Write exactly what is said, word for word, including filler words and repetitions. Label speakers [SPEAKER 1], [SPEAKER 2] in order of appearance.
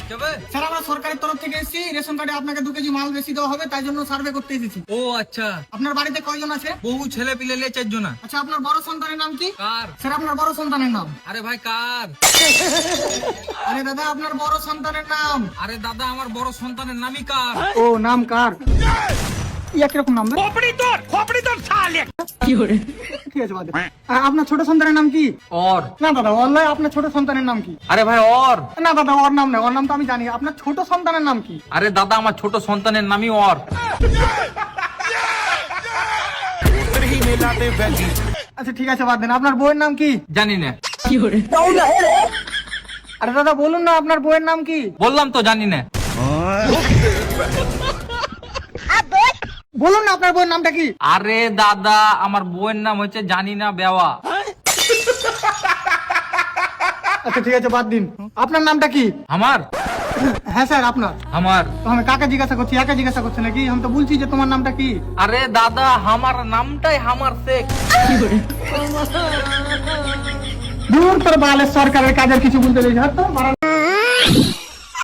[SPEAKER 1] Sir আমরা সরকারের তরফ থেকে এসেছি, রেশন কার্ডে আপনাকে দু কেজি মাল বেশি দেওয়া হবে, তাই জন্য সার্ভে করতে এসেছি।
[SPEAKER 2] ও আচ্ছা,
[SPEAKER 1] আপনার বাড়িতে কয়জন আছে?
[SPEAKER 2] বহু ছেলে পিলে নিয়ে চারজন।
[SPEAKER 1] আচ্ছা, আপনার বড় সন্তানের নাম কি?
[SPEAKER 2] কার?
[SPEAKER 1] স্যার আপনার বড় সন্তানের নাম?
[SPEAKER 2] আরে ভাই কার?
[SPEAKER 1] আরে দাদা আপনার বড় সন্তানের নাম?
[SPEAKER 2] আরে দাদা আমার বড় সন্তানের নামই কার?
[SPEAKER 1] ও নাম কার? ইয়া কিরকম নাম? ঠিক আছে বাদ দে। আর আপনার ছোট সন্তানের নাম কি?
[SPEAKER 2] ওর।
[SPEAKER 1] না দাদা ওর নয়, আপনার ছোট সন্তানের নাম কি?
[SPEAKER 2] আরে ভাই ওর।
[SPEAKER 1] না দাদা ওর নাম নয়, ওর নাম তো আমি জানি। আপনার ছোট সন্তানের নাম কি?
[SPEAKER 2] আরে দাদা আমার ছোট সন্তানের নামই ওর।
[SPEAKER 1] আচ্ছা ঠিক আছে বাদ দেন। আপনার বউয়ের নাম কি?
[SPEAKER 2] জানি না।
[SPEAKER 1] আরে দাদা বলুন না আপনার বউয়ের নাম কি?
[SPEAKER 2] বললাম তো জানি না।
[SPEAKER 1] বলুন না আপনার বউয়ের নামটা কি?
[SPEAKER 2] আরে দাদা আমার বউয়ের নাম হচ্ছে জানি না বেওয়া।
[SPEAKER 1] আচ্ছা ঠিক আছে বাদ দিন। আপনার নামটা কি?
[SPEAKER 2] আমার?
[SPEAKER 1] হ্যাঁ স্যার আপনার।
[SPEAKER 2] আমার।
[SPEAKER 1] তো আমি কাকে জিজ্ঞাসা করছি, একা জিজ্ঞাসা করছি নাকি? আমি তো বলছি যে তোমার নামটা কি।
[SPEAKER 2] আরে দাদা আমার নামটাই আমার শেখ।
[SPEAKER 1] দূর তোর বালের সরকারের কাজের কিছু বলতে চাইছি।